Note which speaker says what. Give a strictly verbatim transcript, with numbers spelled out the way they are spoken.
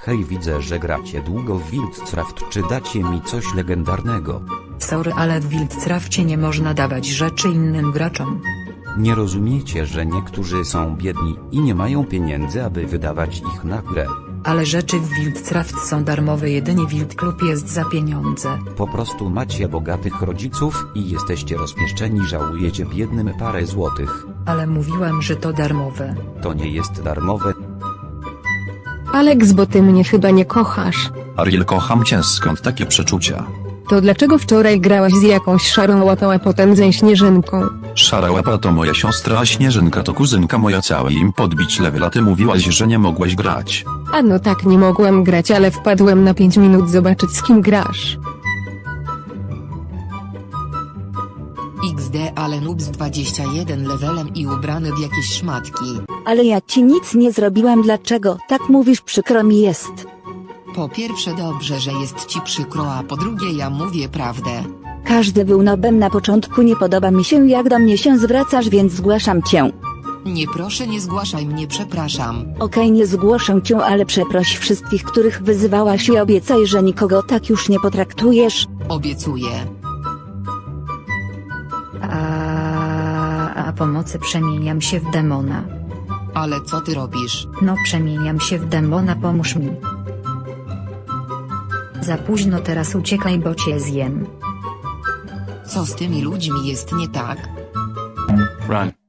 Speaker 1: Hej, widzę, że gracie długo w Wildcraft, czy dacie mi coś legendarnego?
Speaker 2: Sorry, ale w Wildcrafcie nie można dawać rzeczy innym graczom.
Speaker 1: Nie rozumiecie, że niektórzy są biedni i nie mają pieniędzy, aby wydawać ich na grę.
Speaker 2: Ale rzeczy w Wildcraft są darmowe, jedynie Wild Club jest za pieniądze.
Speaker 1: Po prostu macie bogatych rodziców i jesteście rozpieszczeni, żałujecie biednym parę złotych.
Speaker 2: Ale mówiłem, że to darmowe.
Speaker 1: To nie jest darmowe.
Speaker 3: Alex, bo ty mnie chyba nie kochasz.
Speaker 4: Ariel, kocham cię, skąd takie przeczucia?
Speaker 3: To dlaczego wczoraj grałaś z jakąś szarą łapą, a potem ze śnieżynką?
Speaker 4: Szara łapa to moja siostra, a Śnieżynka to kuzynka moja, cały im podbić level, a ty mówiłaś, że nie mogłaś grać.
Speaker 3: A no tak, nie mogłem grać, ale wpadłem na pięć minut zobaczyć, z kim grasz.
Speaker 5: iks de, ale noob z dwudziestym jeden levelem i ubrany w jakieś szmatki.
Speaker 6: Ale ja ci nic nie zrobiłam, dlaczego tak mówisz, przykro mi jest.
Speaker 5: Po pierwsze dobrze, że jest ci przykro, a po drugie ja mówię prawdę.
Speaker 6: Każdy był nobem na początku, nie podoba mi się jak do mnie się zwracasz, więc zgłaszam cię.
Speaker 5: Nie, proszę, nie zgłaszaj mnie, przepraszam.
Speaker 6: Okej, nie zgłoszę cię, ale przeproś wszystkich, których wyzywałaś, i obiecaj, że nikogo tak już nie potraktujesz.
Speaker 5: Obiecuję.
Speaker 2: A, a pomocy przemieniam się w demona.
Speaker 5: Ale co ty robisz?
Speaker 2: No przemieniam się w demona, pomóż mi. Za późno, teraz uciekaj, bo cię zjem.
Speaker 5: Co z tymi ludźmi jest nie tak?
Speaker 7: Run.